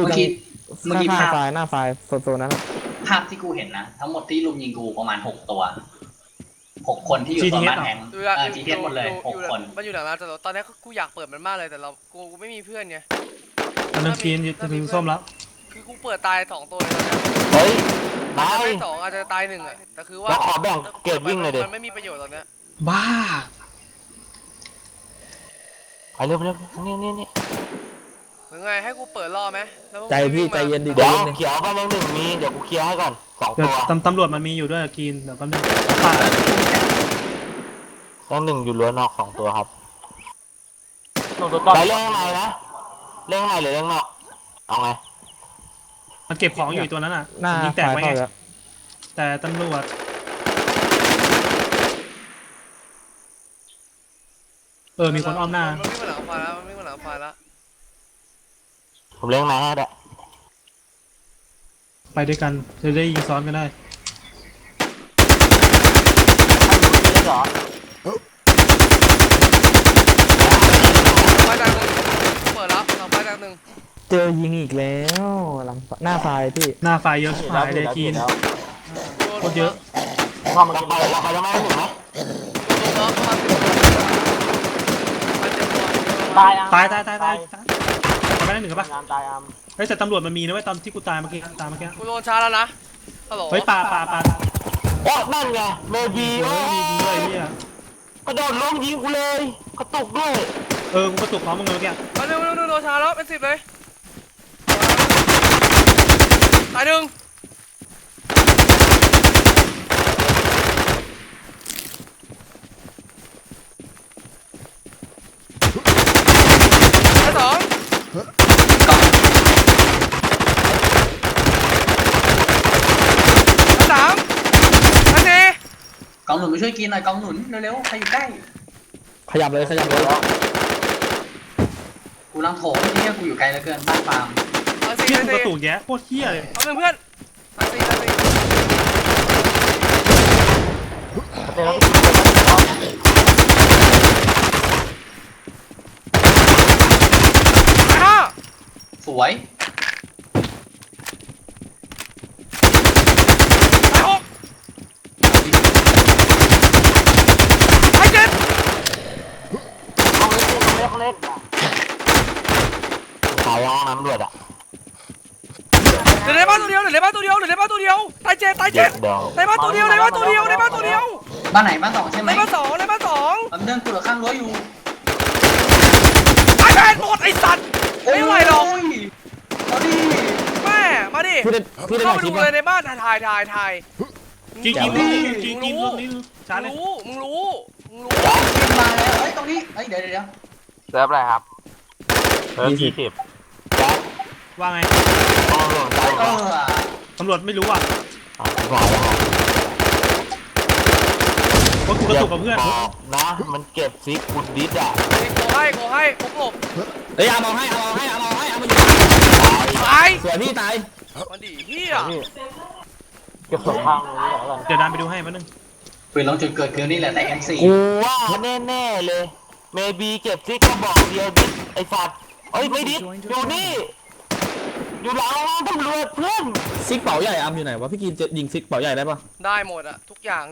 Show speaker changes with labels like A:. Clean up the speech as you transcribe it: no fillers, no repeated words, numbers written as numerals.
A: อยู่ตรง
B: เมื่อกี้ภาพ
A: หน้าไฟโซนนั้น
B: ภาพที่กูเห็นนะทั้งหมดที่ลุมยิงกูประมาณ6 ตัว6 คนที่อยู่ตัวบ้านแทงGTS หมดเลย6 คน
C: มันอยู่หลังร้านแต่ตอนนี้กูอยากเปิดมันมากเลยแต่กูไม่มีเพื่อนไง
D: อันนึงกินจะถึงส้มแล้ว
C: คือกูเปิดตาย2 ตัวเลยตอนนี้
E: เฮ้ยตาย
C: ไม่2อาจจะตาย1อ่ะแต่คือว่า
E: ขอแบ่งเกรดวิ่งเลยดิ
C: มันไม่มีประโยชน์ตอนนี้
D: บ้า
E: ไปเร็วนี่
C: หรือไงให้กูเปิดล่อไหม
A: ใจพี่ใจเย็นดิ
E: เดี๋ยวเขียวบ้านหนึ่งมีเดี๋ยวกูเคลียร์ให้ก่อน2
D: เดี๋ยว
E: ตัว
D: ตำรวจมันมีอยู่ด้วยกินเดี๋ยวแป๊บนึงป้า
E: บ้านหนึ่งอยู่รั้วนอก2 ตัวครับไปเรื่องไหนนะเรื่องไหนหรือเรื่องนอกเอาไง
D: มันเก็บของอยู่ตัวนั้นอ่ะ
A: หน้า
D: ยิงแตกไว้ไงแต่ตำรวจมีคนอ้อมหน้า
C: มันวิ่งมาหลังไฟแล้ว
E: ผมเรื่องไหนให้ได้
D: ไปด้วยกันจะได้ยิงซ้อนกันได้
C: ไฟดังหนึ่งเปิดแล้วไฟดังหนึ่ง
A: เจอยิงอีกแล้วหลังหน้าไฟพี่
D: หน้าไฟเยอะหายเลยกินโคตรเยอะ
E: พอมันจะไปเราไปยังไงหนึ่งไหม
D: ตายไปได้1กับป่ะเฮ้ยแต่ตำรวจมันมีนะเว้ยตอนที่กูตายเมื่อกี้
C: กูโดนชาแล้วนะฮัลโหล
D: เฮ้ยปา
E: โอ้นั่นไงเมบี
D: มียิงด้วยเนี่ย
E: กระโดดลงยิงกูเลยกระตุกด้วย
D: กูกระตุกพร้อมมึงเลยเมื่อกี้
C: เร็วโดนชาแล้วเป็น10เลยตาย1
B: กองหนุนมาช่วยกินหน่อยกองหนุนเร็วๆใครอยู่ใกล้
A: ขยับเลย
B: กูลังโถมที่กูอยู่ไกลเหลือเกินบ้านฟาร์ม
D: เที่ยกระตุกแย่โคตรเที่ยเลย
C: เอาเพื่อน
B: สวย
E: ขายห้องน้ำรวดอ่ะ
C: เหลือในบ้านตัวเดียวตายเจ็ดในบ้านตัวเดียว
B: บ้านไหนบ้าน2ใช่ไหม
C: ในบ้าน2
B: ลำเดินกูเหลือข้างรั้วอยู่
C: ไอ้แมนหมดไอ้สัตว์ไม่ไหวหรอก
B: เอาดิ
C: แม่มาดิเข้าไปดูเลยในบ้านถ่าย
D: กินรู้ช้าเลย
C: มึงรู้
B: ขึ้นมาแล้วตรงนี้เดี๋ยว
E: เซิร์ฟอะไรครับ20
D: ว่าไงตำรวจไม่รู้อ่ะเพราะกูกระตุกกับเพื่อน
E: นะมันเก็บซิกบุดดิสอ่ะ
C: โกให้ผมหลบ
A: เอามาให้เอามา
C: ตาย
A: สวยพี่ตาย
C: มันดีเฮีย
E: เก็บสองข้างนี้ก่อน
D: เดี๋ยวดันไปดูให้มันนึง
B: ปืนลงจุดเกิดคือนี่แหละแต่ M4
E: กูว่าแน่เลยเมบีเก็บซิกก็บอกเดียวดิไอ้สัตว์ไม่ดิอยู่นี่อยู่หลังตำรวจเพื่อน
A: ซิกเป๋าใหญ่อยู่ไหนวะพี่กินจะยิงซิกเป๋าใหญ่ได้ปะ
C: ได้หมดอะทุกอย่าง